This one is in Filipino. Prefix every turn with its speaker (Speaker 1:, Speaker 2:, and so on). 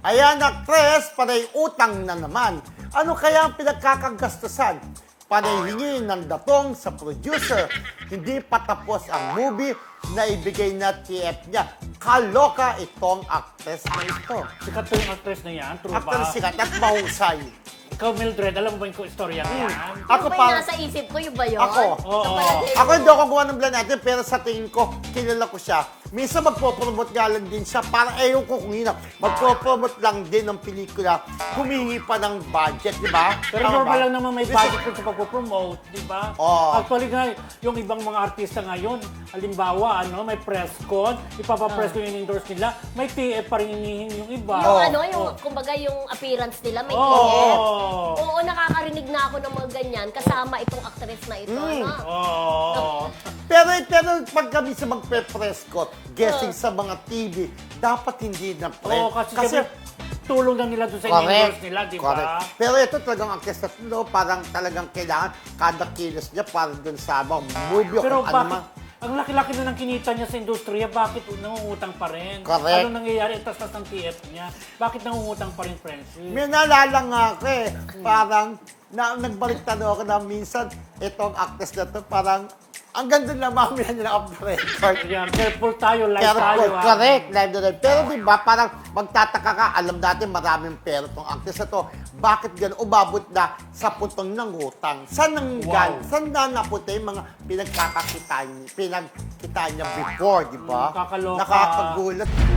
Speaker 1: Ayan, actress, panay utang na naman. Ano kaya ang pinagkakagastusan? Panay hingi ng datong sa producer. Hindi pa tapos ang movie na ibigay na TF niya. Kaloka itong actress na ito.
Speaker 2: Sikat to yung actress na yan, true ba?
Speaker 1: Actress sikat at mahusay.
Speaker 2: Ikaw, Mildred, alam mo ba yung istorya na yan?
Speaker 1: Ako
Speaker 3: Yung
Speaker 1: pa.
Speaker 3: nasa isip ko, yung ba yun?
Speaker 1: Ako.
Speaker 2: Oo.
Speaker 1: Ako hindi ako gawa ng plan natin, pero sa tingin ko, kilala ko siya. Minsan magpo-promote nga lang din siya, parang ewan ko kung hina. Magpo-promote lang din ng pelikula, humingi pa ng budget, di ba?
Speaker 2: Pero
Speaker 1: Tama
Speaker 2: normal
Speaker 1: ba?
Speaker 2: lang naman may budget kung sa pagpo-promote, di ba?
Speaker 1: Oo.
Speaker 2: Actually nga, yung ibang mga artista ngayon, halimbawa, may press con, ipapapress ko yung endorse nila, may TF pa rin hinihingi yung iba.
Speaker 3: Yung
Speaker 1: Oo.
Speaker 3: yung, kumbaga yung appearance nila, may
Speaker 2: Oo.
Speaker 3: TF. Oo, nakakarinig na ako ng mga ganyan, kasama itong actress na ito, ano?
Speaker 2: Oo.
Speaker 1: Pero pag kami sa magpe-press ko, guessing sa mga TV, dapat hindi na press.
Speaker 2: Oo, kasi siyempre, tulong lang nila doon sa endorse nila, di ba?
Speaker 1: Pero ito talagang actress na ito, parang talagang kailangan kada kilos niya para dun sa mga movie o
Speaker 2: Pero
Speaker 1: kung ano
Speaker 2: bakit,
Speaker 1: man.
Speaker 2: ang laki-laki na ng kinita niya sa industriya, bakit nangungutang pa rin?
Speaker 1: Correct.
Speaker 2: Anong nangyayari? Tas ng TF niya. Bakit nangungutang pa rin, friendship?
Speaker 1: May naalala nga ako parang nagbalik tanong ako na minsan itong actress na to parang ang ganda na mamaya nila off the record.
Speaker 2: Yan, careful tayo, live
Speaker 1: Pero
Speaker 2: tayo.
Speaker 1: correct, live na live. Pero di ba, parang magtataka ka, alam natin maraming pera tong actress na to. Bakit gano'n umabot na sa puntong ng utang? Saan nanggal? Saan na napunta yung mga pinagkita niya before, di ba?
Speaker 2: Kakaloka.
Speaker 1: Nakakagulat.